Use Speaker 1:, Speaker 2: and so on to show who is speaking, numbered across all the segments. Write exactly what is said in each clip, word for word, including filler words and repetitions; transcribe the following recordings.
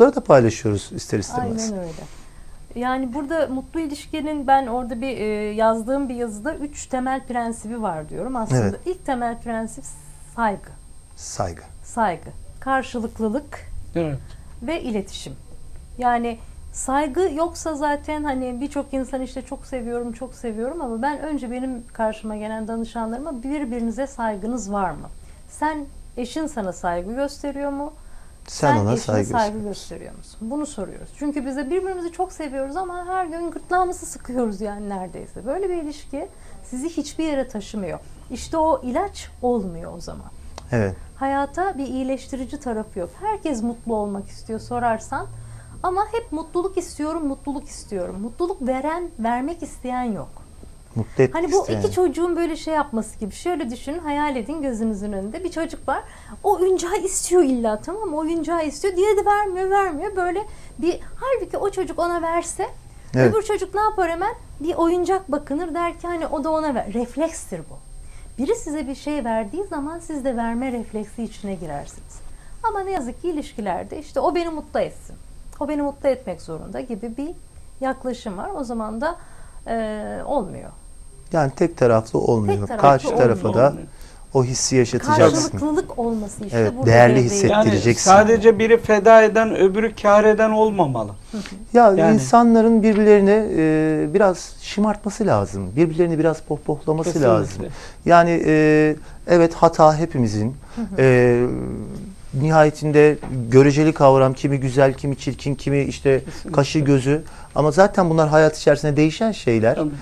Speaker 1: çocuklara da paylaşıyoruz ister istemez.
Speaker 2: Aynen öyle. Yani burada mutlu ilişkinin ben orada bir e, yazdığım bir yazıda üç temel prensibi var diyorum. Aslında
Speaker 1: Evet.
Speaker 2: ilk temel prensip saygı.
Speaker 1: Saygı.
Speaker 2: Saygı. Karşılıklılık
Speaker 3: Evet.
Speaker 2: ve iletişim. Yani saygı yoksa zaten hani birçok insan işte çok seviyorum, çok seviyorum ama ben önce benim karşıma gelen danışanlarıma birbirinize saygınız var mı? Sen eşin sana saygı gösteriyor mu?
Speaker 1: Sen,
Speaker 2: Sen
Speaker 1: ona
Speaker 2: eşine
Speaker 1: saygı,
Speaker 2: saygı
Speaker 1: göster.
Speaker 2: gösteriyor musun? Bunu soruyoruz. Çünkü bize birbirimizi çok seviyoruz ama her gün gırtlağımızı sıkıyoruz yani neredeyse. Böyle bir ilişki sizi hiçbir yere taşımıyor. İşte o ilaç olmuyor o zaman.
Speaker 1: Evet.
Speaker 2: Hayata bir iyileştirici tarafı yok. Herkes mutlu olmak istiyor sorarsan. Ama hep mutluluk istiyorum, mutluluk istiyorum. Mutluluk veren, vermek isteyen yok.
Speaker 1: Mutlu etmek
Speaker 2: Hani bu
Speaker 1: isteyen.
Speaker 2: iki çocuğun böyle şey yapması gibi. Şöyle düşünün, hayal edin gözünüzün önünde. Bir çocuk var. O oyuncağı istiyor illa, tamam mı? Oyuncağı istiyor. Diğeri de vermiyor, vermiyor. Böyle bir, halbuki o çocuk ona verse,
Speaker 1: Evet.
Speaker 2: öbür çocuk ne yapar hemen? Bir oyuncak bakınır, der ki hani o da ona ver. Reflekstir bu. Biri size bir şey verdiği zaman siz de verme refleksi içine girersiniz. Ama ne yazık ki ilişkilerde işte o beni mutlu etsin. O beni mutlu etmek zorunda gibi bir yaklaşım var. O zaman da e, olmuyor.
Speaker 1: Yani tek taraflı olmuyor.
Speaker 2: Tek taraflı
Speaker 1: Karşı tarafa
Speaker 2: olmuyor.
Speaker 1: da o hissi yaşatacaksın.
Speaker 2: Karşılıklılık olması işte
Speaker 1: Evet,
Speaker 2: burada
Speaker 1: değerli
Speaker 2: devreye
Speaker 1: hissettirecek.
Speaker 3: Yani
Speaker 1: Ettireceksin.
Speaker 3: sadece biri feda eden öbürü kâr eden olmamalı.
Speaker 1: Ya
Speaker 3: Yani-
Speaker 1: insanların birbirlerini e, biraz şımartması lazım. Birbirlerini biraz pohpohlaması
Speaker 3: Kesinlikle.
Speaker 1: lazım. Yani e, evet hata hepimizin. E, nihayetinde göreceli kavram, kimi güzel, kimi çirkin, kimi işte
Speaker 3: Kesinlikle.
Speaker 1: kaşı gözü. Ama zaten bunlar hayat içerisinde değişen şeyler.
Speaker 3: Tabii.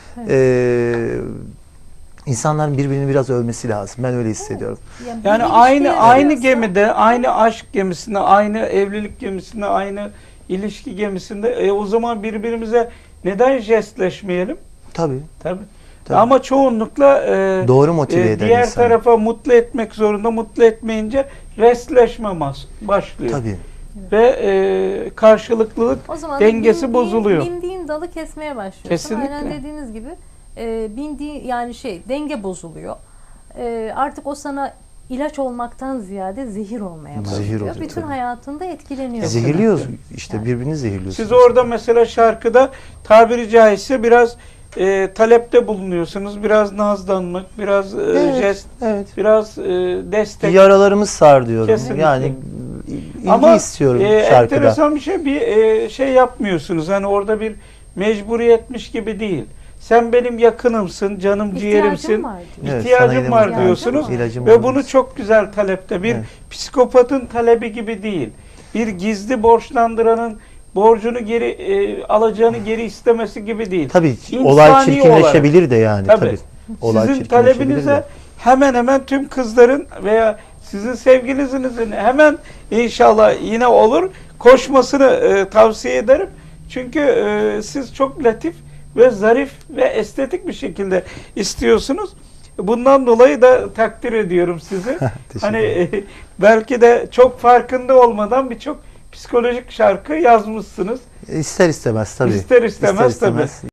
Speaker 1: E, insanların birbirini biraz övmesi lazım. Ben öyle hissediyorum.
Speaker 2: Yani,
Speaker 3: Yani
Speaker 2: bir
Speaker 3: aynı
Speaker 2: ilişkiye
Speaker 3: aynı
Speaker 2: yarıyorsa-
Speaker 3: gemide, aynı aşk gemisinde, aynı evlilik gemisinde, aynı ilişki gemisinde e, o zaman birbirimize neden jestleşmeyelim?
Speaker 1: Tabii.
Speaker 3: Tabii.
Speaker 1: Tabii.
Speaker 3: Ama çoğunlukla e,
Speaker 1: Doğru motive
Speaker 3: e,
Speaker 1: eden
Speaker 3: diğer
Speaker 1: insan.
Speaker 3: tarafa mutlu etmek zorunda, mutlu etmeyince restleşme mas- başlıyor.
Speaker 1: Tabii.
Speaker 3: Ve e, karşılıklılık
Speaker 2: O zaman
Speaker 3: dengesi
Speaker 2: bindiğin-
Speaker 3: bozuluyor.
Speaker 2: Bindiğin dalı kesmeye başlıyorsun.
Speaker 3: Kesinlikle.
Speaker 2: Aynen dediğiniz gibi e, bindiği yani şey denge bozuluyor. E, artık o sana ilaç olmaktan ziyade zehir olmaya başlıyor.
Speaker 1: Zehir oluyor,
Speaker 2: Bütün
Speaker 1: tabii.
Speaker 2: hayatında etkileniyor.
Speaker 1: Zehirliyoruz. işte
Speaker 2: Yani.
Speaker 1: birbirini zehirliyorsunuz.
Speaker 3: Siz orada mesela şarkıda tabiri caizse biraz e, talepte bulunuyorsunuz. Biraz nazlanmak, biraz e,
Speaker 1: Evet,
Speaker 3: jest,
Speaker 1: evet.
Speaker 3: biraz e, destek.
Speaker 1: Yaralarımız sar diyorum.
Speaker 3: Kesinlikle.
Speaker 1: Yani ilgi
Speaker 3: Ama
Speaker 1: istiyorum
Speaker 3: e,
Speaker 1: şarkıda.
Speaker 3: enteresan bir şey, bir e, şey yapmıyorsunuz. Hani orada bir mecburiyetmiş gibi değil. Sen benim yakınımsın, canım
Speaker 2: İhtiyacım
Speaker 3: ciğerimsin.
Speaker 2: var diyor.
Speaker 1: Evet,
Speaker 3: İhtiyacım
Speaker 1: sana
Speaker 3: var
Speaker 1: ihtiyacım
Speaker 3: diyorsunuz
Speaker 2: var.
Speaker 1: İlacım
Speaker 3: ve
Speaker 1: olmaz.
Speaker 3: bunu çok güzel talepte bir
Speaker 1: Evet.
Speaker 3: psikopatın talebi gibi değil. Bir gizli borçlandıranın borcunu geri e, alacağını geri istemesi gibi değil.
Speaker 1: Tabii
Speaker 3: İnsani
Speaker 1: olay çirkinleşebilir de yani.
Speaker 3: Tabii.
Speaker 1: Tabii. Olay
Speaker 3: Sizin
Speaker 1: çirkinleşebilir
Speaker 3: talebinize
Speaker 1: de.
Speaker 3: hemen hemen tüm kızların veya sizin sevgilinizin hemen inşallah yine olur koşmasını e, tavsiye ederim. Çünkü e, siz çok latif ve zarif ve estetik bir şekilde istiyorsunuz. Bundan dolayı da takdir ediyorum sizi.
Speaker 1: Teşekkür
Speaker 3: Hani
Speaker 1: ederim.
Speaker 3: e, belki de çok farkında olmadan birçok psikolojik şarkı yazmışsınız.
Speaker 1: İster istemez tabii.
Speaker 3: İster istemez tabii.